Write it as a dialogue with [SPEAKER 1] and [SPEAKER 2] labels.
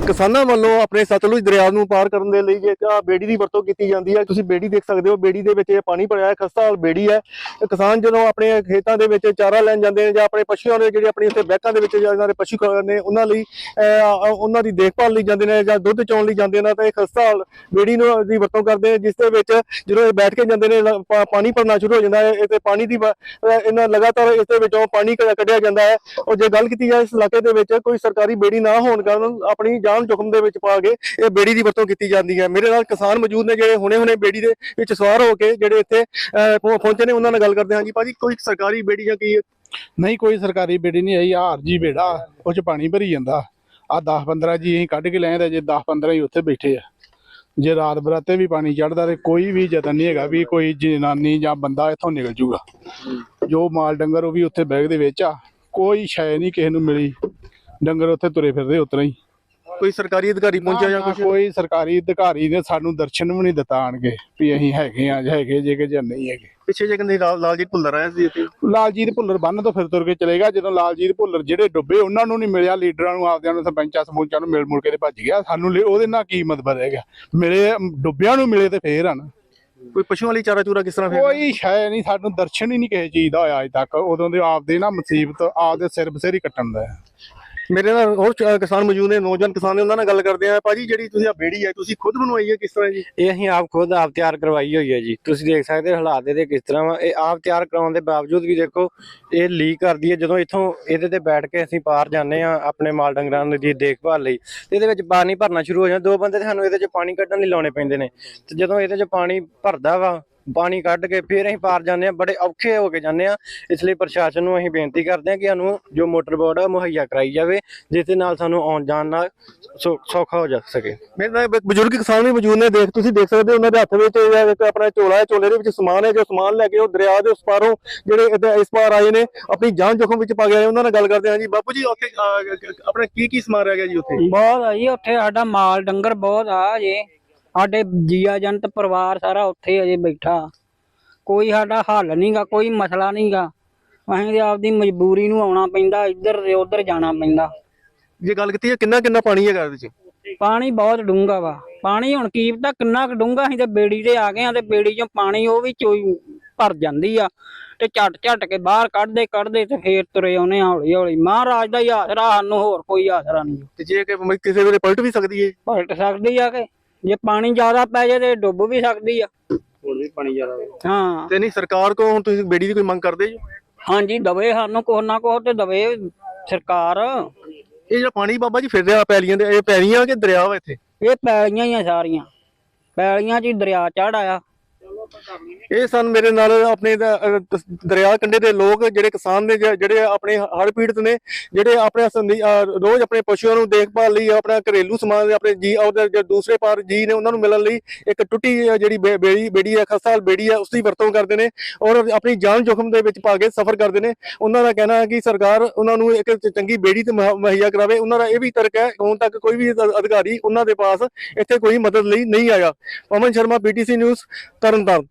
[SPEAKER 1] ਕਿਸਾਨਾਂ ਵੱਲੋਂ ਆਪਣੇ ਸਤਲੁਜ ਦਰਿਆ ਨੂੰ ਪਾਰ ਕਰਨ ਦੇ ਲਈ ਇੱਕ ਬੇੜੀ ਦੀ ਵਰਤੋਂ ਕੀਤੀ ਜਾਂਦੀ ਹੈ। ਤੁਸੀਂ ਬੇੜੀ ਦੇਖ ਸਕਦੇ ਹੋ, ਬੇੜੀ ਦੇ ਵਿੱਚ ਇਹ ਪਾਣੀ ਭਰਿਆ ਹੈ, ਖਸਤਾ ਹਾਲ ਬੇੜੀ ਹੈ। ਤੇ ਕਿਸਾਨ ਜਦੋਂ ਆਪਣੇ ਖੇਤਾਂ ਦੇ ਵਿੱਚ ਚਾਰਾ ਲੈਣ ਜਾਂਦੇ ਨੇ ਜਾਂ ਆਪਣੇ ਪਸ਼ੂਆਂ ਦੇ ਜਿਹੜੇ ਆਪਣੀ ਉੱਥੇ ਬੈਕਾਂ ਦੇ ਵਿੱਚ ਇਹਨਾਂ ਦੇ ਪਸ਼ੂ ਨੇ ਉਹਨਾਂ ਲਈ ਉਹਨਾਂ ਦੀ ਦੇਖਭਾਲ ਲਈ ਜਾਂਦੇ ਨੇ ਜਾਂ ਦੁੱਧ ਚੋਣ ਲਈ ਜਾਂਦੇ ਨੇ ਤਾਂ ਇਹ ਖਸਤਾ ਹਾਲ ਬੇੜੀ ਨੂੰ ਦੀ ਵਰਤੋਂ ਕਰਦੇ ਨੇ, ਜਿਸ ਦੇ ਵਿੱਚ ਜਦੋਂ ਇਹ ਬੈਠ ਕੇ ਜਾਂਦੇ ਨੇ ਪਾਣੀ ਭਰਨਾ ਸ਼ੁਰੂ ਹੋ ਜਾਂਦਾ ਹੈ। ਇਹ ਤੇ ਪਾਣੀ ਦੀ ਇਹਨਾਂ ਲਗਾਤਾਰ ਇਸ ਦੇ ਵਿੱਚੋਂ ਪਾਣੀ ਕੱਢਿਆ ਜਾਂਦਾ ਹੈ। ਔਰ ਜੇ ਗੱਲ ਕੀਤੀ ਜਾਏ ਇਸ ਇਲਾਕੇ ਦੇ ਵਿੱਚ ਕੋਈ ਸਰਕਾਰੀ ਬੇੜੀ ਨਾ ਹੋਣ ਕਾਰਨ ਆਪਣੀ ਜਾਨ जोखिम ਦੇ ਵਿੱਚ ਪਾ ਕੇ ਇਹ ਬੇੜੀ ਦੀ ਵਰਤੋਂ ਕੀਤੀ ਜਾਂਦੀ ਹੈ। ਮੇਰੇ ਨਾਲ ਕਿਸਾਨ ਮੌਜੂਦ ਨੇ ਜਿਹੜੇ ਹੁਣੇ ਬੇੜੀ ਦੇ ਵਿੱਚ ਸਵਾਰ ਹੋ ਕੇ ਜਿਹੜੇ ਇੱਥੇ ਪਹੁੰਚੇ ਨੇ, ਉਹਨਾਂ ਨਾਲ ਗੱਲ ਕਰਦੇ ਹਾਂ। ਜੀ ਭਾਜੀ, ਕੋਈ ਸਰਕਾਰੀ ਬੇੜੀ ਜਾਂ ਕੀ?
[SPEAKER 2] ਨਹੀਂ, ਕੋਈ ਸਰਕਾਰੀ ਬੇੜੀ ਨਹੀਂ ਆਈ। ਹਾਰ ਜੀ ਬੇੜਾ, ਉਹ ਚ ਪਾਣੀ ਭਰੀ ਜਾਂਦਾ। ਆ 10-15 ਜੀ ਅਸੀਂ ਕੱਢ ਕੇ ਲੈ ਆਏ, ਜੇ 10-15 ਹੀ ਉੱਥੇ ਬੈਠੇ ਆ। ਜੇ ਰਾਤ ਬਰਾਤੇ ਵੀ ਪਾਣੀ ਚੜਦਾ ਤੇ ਕੋਈ ਵੀ ਯਤਨ ਨਹੀਂ ਹੈਗਾ ਵੀ ਕੋਈ ਜਨਾਨੀ ਜਾਂ ਬੰਦਾ ਇੱਥੋਂ ਨਿਕਲ ਜੂਗਾ। ਜੋ ਮਾਲ ਡੰਗਰ ਉਹ ਵੀ ਉੱਥੇ ਬੈਗ ਦੇ ਵਿੱਚ ਆ, ਕੋਈ ਸ਼ੈ ਨਹੀਂ ਕਿਸੇ ਨੂੰ ਮਿਲੀ। ਡੰਗਰ ਉੱਥੇ ਤੁਰੇ ਫਿਰਦੇ ਉਤਰਾ ਹੀ।
[SPEAKER 1] ਕੋਈ ਸਰਕਾਰੀ ਅਧਿਕਾਰੀ ਪਹੁੰਚਿਆ ਜਾਂ ਕੁਝ?
[SPEAKER 2] ਕੋਈ ਸਰਕਾਰੀ ਅਧਿਕਾਰੀ ਨੇ ਸਾਨੂੰ ਦਰਸ਼ਨ ਵੀ ਨਹੀਂ ਦਿੱਤਾ ਆਣਗੇ ਵੀ ਅਸੀਂ ਹੈਗੇ ਆ ਜਾਂ ਹੈਗੇ ਜੇ ਕਿ ਜਾਂ ਨਹੀਂ ਹੈਗੇ।
[SPEAKER 1] ਪਿੱਛੇ ਜੇ ਕਹਿੰਦੇ ਲਾਲਜੀਤ ਭੁੱਲਰ ਆਇਆ ਸੀ ਇੱਥੇ।
[SPEAKER 2] ਲਾਲਜੀਤ ਭੁੱਲਰ ਬੰਨ ਤੋਂ ਫਿਰ ਤੁਰ ਕੇ ਚਲੇਗਾ। ਜਦੋਂ ਲਾਲਜੀਤ ਭੁੱਲਰ ਜਿਹੜੇ ਡੁੱਬੇ ਉਹਨਾਂ ਨੂੰ ਨਹੀਂ ਮਿਲਿਆ, ਲੀਡਰਾਂ ਨੂੰ, ਆਪਦਿਆਂ ਨੂੰ, ਸਰਪੰਚਾਂ ਸਮੂਚਾਂ ਨੂੰ ਮਿਲ ਮੁਲ ਕੇ ਤੇ ਭੱਜ ਗਿਆ। ਸਾਨੂੰ ਉਹਦੇ ਨਾਲ ਕੀ ਮਤਲਬ ਹੈਗਾ? ਮਿਲੇ ਡੁੱਬਿਆਂ ਨੂੰ ਮਿਲੇ ਤੇ ਫੇਰ ਹਨ।
[SPEAKER 1] ਕੋਈ ਪਸ਼ੂਆਂ ਲਈ ਚਾਰਾ ਚੂਰਾ ਕਿਸ ਤਰ੍ਹਾਂ?
[SPEAKER 2] ਕੋਈ ਸ਼ਾਇਦ ਨਹੀਂ, ਸਾਨੂੰ ਦਰਸ਼ਨ ਹੀ ਨਹੀਂ ਕਿਸੇ ਚੀਜ਼ ਦਾ ਹੋਇਆ ਅਜੇ ਤੱਕ। ਉਦੋਂ ਦੇ ਆਪਦੇ ਨਾ ਮੁਸੀਬਤ ਆਪਦੇ ਸਿਰ ਬਸੇਰੀ ਕੱਟਣ ਦਾ।
[SPEAKER 1] ਮੇਰੇ ਨਾਲ ਹੋਰ ਕਿਸਾਨ ਮੌਜੂਦ ਨੇ, ਨੌਜਵਾਨ ਕਿਸਾਨ ਨੇ, ਉਹਨਾਂ ਨਾਲ ਗੱਲ ਕਰਦੇ ਆ। ਭਾਜੀ, ਜਿਹੜੀ ਤੁਸੀਂ ਆ ਬੇੜੀ ਹੈ ਤੁਸੀਂ ਖੁਦ ਬਣਵਾਈ ਹੈ, ਕਿਸ ਤਰ੍ਹਾਂ ਜੀ?
[SPEAKER 3] ਇਹ ਅਸੀਂ ਆਪ ਖੁਦ ਆਪ ਤਿਆਰ ਕਰਵਾਈ ਹੋਈ ਹੈ ਜੀ। ਤੁਸੀਂ ਦੇਖ ਸਕਦੇ ਹੋ ਹਾਲਾਤ ਇਹਦੇ ਕਿਸ ਤਰ੍ਹਾਂ ਵਾ। ਇਹ ਆਪ ਤਿਆਰ ਕਰਾਉਣ ਦੇ ਬਾਵਜੂਦ ਵੀ ਦੇਖੋ ਇਹ ਲੀਕ ਕਰਦੀ ਹੈ। ਜਦੋਂ ਇੱਥੋਂ ਇਹਦੇ ਤੇ ਬੈਠ ਕੇ ਅਸੀਂ ਪਾਰ ਜਾਂਦੇ ਆ ਆਪਣੇ ਮਾਲ ਡੰਗਰਾਂ ਦੀ ਦੇਖਭਾਲ ਲਈ, ਤੇ ਇਹਦੇ ਵਿੱਚ ਪਾਣੀ ਭਰਨਾ ਸ਼ੁਰੂ ਹੋ ਜਾਂਦਾ। 2 ਬੰਦੇ ਤੇ ਸਾਨੂੰ ਇਹਦੇ 'ਚ ਪਾਣੀ ਕੱਢਣ ਲਈ ਲਾਉਣੇ ਪੈਂਦੇ ਨੇ। ਤੇ ਜਦੋਂ ਇਹਦੇ 'ਚ ਪਾਣੀ ਭਰਦਾ ਵਾ, ਪਾਣੀ ਕੱਢ ਕੇ ਫਿਰ ਅਸੀਂ ਪਾਰ ਜਾਂਦੇ ਆ, ਬੜੇ ਔਖੇ ਹੋ ਕੇ ਜਾਂਦੇ ਆ। ਇਸ ਲਈ ਪ੍ਰਸ਼ਾਸਨ ਨੂੰ ਅਸੀਂ ਬੇਨਤੀ ਕਰਦੇ ਹਾਂ ਕਿ ਸਾਨੂੰ ਜੋ ਮੋਟਰ ਬੋਟ ਆ ਮੁਹੱਈਆ ਕਰਾਈ ਜਾਵੇ, ਜਿਸ ਦੇ ਨਾਲ ਸਾਨੂੰ ਆਉਣ ਜਾਣ ਨਾਲ ਸੌਖਾ ਹੋ ਜਾ ਸਕੇ।
[SPEAKER 1] ਮੇਰੇ ਨਾਲ ਬਜ਼ੁਰਗ ਕਿਸਾਨ ਵੀ ਮੌਜੂਦ ਨੇ। ਤੁਸੀਂ ਦੇਖ ਸਕਦੇ ਹੋ ਉਹਨਾਂ ਦੇ ਹੱਥ ਵਿੱਚ ਇੱਕ ਆਪਣਾ ਝੋਲਾ ਹੈ, ਝੋਲੇ ਦੇ ਵਿੱਚ ਸਮਾਨ ਹੈ। ਜੋ ਸਮਾਨ ਲੈ ਕੇ ਉਹ ਦਰਿਆ ਦੇ ਉਸ ਪਾਰੋਂ ਜਿਹੜੇ ਇਸ ਪਾਰ ਆਏ ਨੇ, ਆਪਣੀ ਜਾਨ ਜੋਖਮ ਵਿੱਚ ਪਾ ਗਏ। ਉਹਨਾਂ ਨਾਲ ਗੱਲ ਕਰਦੇ ਹਾਂ। ਜੀ ਬਾਪੂ ਜੀ, ਉੱਥੇ ਆਪਣਾ ਕੀ ਸਮਾਨ ਰਹਿ ਗਿਆ ਜੀ ਉੱਥੇ?
[SPEAKER 4] ਬਹੁਤ ਆ ਜੀ ਉੱਥੇ, ਸਾਡਾ ਮਾਲ ਡੰਗਰ ਬਹੁਤ ਆ ਜੇ। ਸਾਡੇ ਜੀਆ ਜੰਤ ਪਰਿਵਾਰ ਸਾਰਾ ਉੱਥੇ ਅਜੇ ਬੈਠਾ। ਕੋਈ ਸਾਡਾ ਹੱਲ ਨਹੀਂਗਾ, ਕੋਈ ਮਸਲਾ ਨਹੀਂਗਾ। ਅਸੀਂ ਤੇ ਆਪਦੀ ਮਜਬੂਰੀ ਨੂੰ ਆਉਣਾ ਪੈਂਦਾ, ਇੱਧਰ ਤੇ ਉੱਧਰ ਜਾਣਾ ਪੈਂਦਾ।
[SPEAKER 1] ਜੇ ਗੱਲ ਕੀਤੀ ਹੈ ਕਿੰਨਾ ਪਾਣੀ ਹੈਗਾ ਇਹਦੇ 'ਚ?
[SPEAKER 4] ਪਾਣੀ ਬਹੁਤ ਡੂੰਘਾ ਵਾ। ਪਾਣੀ ਹੁਣ ਕੀ ਪਤਾ ਕਿੰਨਾ ਕੁ ਡੂੰਘਾ। ਅਸੀਂ ਤੇ ਬੇੜੀ ਤੇ ਆ ਗਏ ਆ ਤੇ ਬੇੜੀ ਚੋਂ ਪਾਣੀ ਉਹ ਵੀ ਚੋਈ ਭਰ ਜਾਂਦੀ ਆ ਤੇ ਝੱਟ ਕੇ ਬਾਹਰ ਕੱਢਦੇ ਤੇ ਫੇਰ ਤੁਰੇ ਆਉਨੇ ਹੌਲੀ। ਮਹਾਰਾਜ ਦਾ ਹੀ ਆਸਰਾ, ਸਾਨੂੰ ਹੋਰ ਕੋਈ ਆਸਰਾ ਨਹੀਂ।
[SPEAKER 1] ਤੇ ਜੇ ਕਿਸੇ ਵੇਲੇ ਪਲਟ ਵੀ ਸਕਦੀ ਹੈ?
[SPEAKER 4] ਪਲਟ ਸਕਦੀ ਆ ਕਿ ਜੇ ਪਾਣੀ ਜ਼ਿਆਦਾ ਪੈ ਜਾਏ ਤੇ ਡੁੱਬ ਵੀ ਸਕਦੀ ਆ।
[SPEAKER 3] ਹੋਰ ਵੀ ਪਾਣੀ ਜ਼ਿਆਦਾ
[SPEAKER 4] ਹਾਂ।
[SPEAKER 1] ਤੇ ਨਹੀਂ, ਸਰਕਾਰ ਕੋਲ ਹੁਣ ਤੁਸੀਂ ਬੇੜੀ ਦੀ ਕੋਈ ਮੰਗ ਕਰਦੇ ਜੀ?
[SPEAKER 4] ਹਾਂਜੀ, ਦਵੇ ਸਾਨੂੰ ਕੁਛ ਨਾ ਕੁਛ ਤੇ ਦਵੇ ਸਰਕਾਰ।
[SPEAKER 1] ਇਹ ਜਿਹੜਾ ਪਾਣੀ ਬਾਬਾ ਜੀ ਫਿਰ ਰਿਹਾ ਪੈਲੀਆਂ ਦੇ, ਇਹ ਪੈਲੀਆਂ ਕਿ ਦਰਿਆ ਵਾ ਇੱਥੇ?
[SPEAKER 4] ਇਹ ਪੈਲੀਆਂ ਹੀ ਆ, ਸਾਰੀਆਂ ਪੈਲੀਆਂ 'ਚ ਹੀ ਦਰਿਆ ਚੜ ਆਇਆ।
[SPEAKER 1] ਇਹ ਸਨ ਮੇਰੇ ਨਾਲ ਆਪਣੇ ਦਰਿਆ ਕੰਢੇ ਦੇ ਲੋਕ, ਜਿਹੜੇ ਕਿਸਾਨ ਨੇ, ਜਿਹੜੇ ਆਪਣੇ ਹੜ੍ਹ ਪੀੜਤ ਨੇ, ਜਿਹੜੇ ਆਪਣੇ ਰੋਜ਼ ਆਪਣੇ ਪਸ਼ੂਆਂ ਨੂੰ ਦੇਖਭਾਲ ਲਈ, ਆਪਣਾ ਘਰੇਲੂ ਸਮਾਨ, ਆਪਣੇ ਜੀ ਉਹਦੇ ਦੂਸਰੇ ਪਾਰ ਜੀ ਨੇ ਉਹਨਾਂ ਨੂੰ ਮਿਲਣ ਲਈ ਇੱਕ ਟੁੱਟੀ ਜਿਹੜੀ ਬੇੜੀ ਹੈ, ਖਸਤਾ ਹਾਲ ਬੇੜੀ ਹੈ, ਉਸ ਦੀ ਵਰਤੋਂ ਕਰਦੇ ਨੇ ਔਰ ਆਪਣੀ ਜਾਨ ਜੋਖਮ ਦੇ ਵਿੱਚ ਪਾ ਕੇ ਸਫ਼ਰ ਕਰਦੇ ਨੇ। ਉਹਨਾਂ ਦਾ ਕਹਿਣਾ ਹੈ ਕਿ ਸਰਕਾਰ ਉਹਨਾਂ ਨੂੰ ਇੱਕ ਚੰਗੀ ਬੇੜੀ ਤੇ ਮੁਹੱਈਆ ਕਰਾਵੇ। ਉਹਨਾਂ ਦਾ ਇਹ ਵੀ ਤਰਕ ਹੈ, ਹੁਣ ਤੱਕ ਕੋਈ ਵੀ ਅਧਿਕਾਰੀ ਉਹਨਾਂ ਦੇ ਪਾਸ ਇੱਥੇ ਕੋਈ ਮਦਦ ਲਈ ਨਹੀਂ ਆਇਆ। Pawan Sharma, PTC news, Tarn Taran.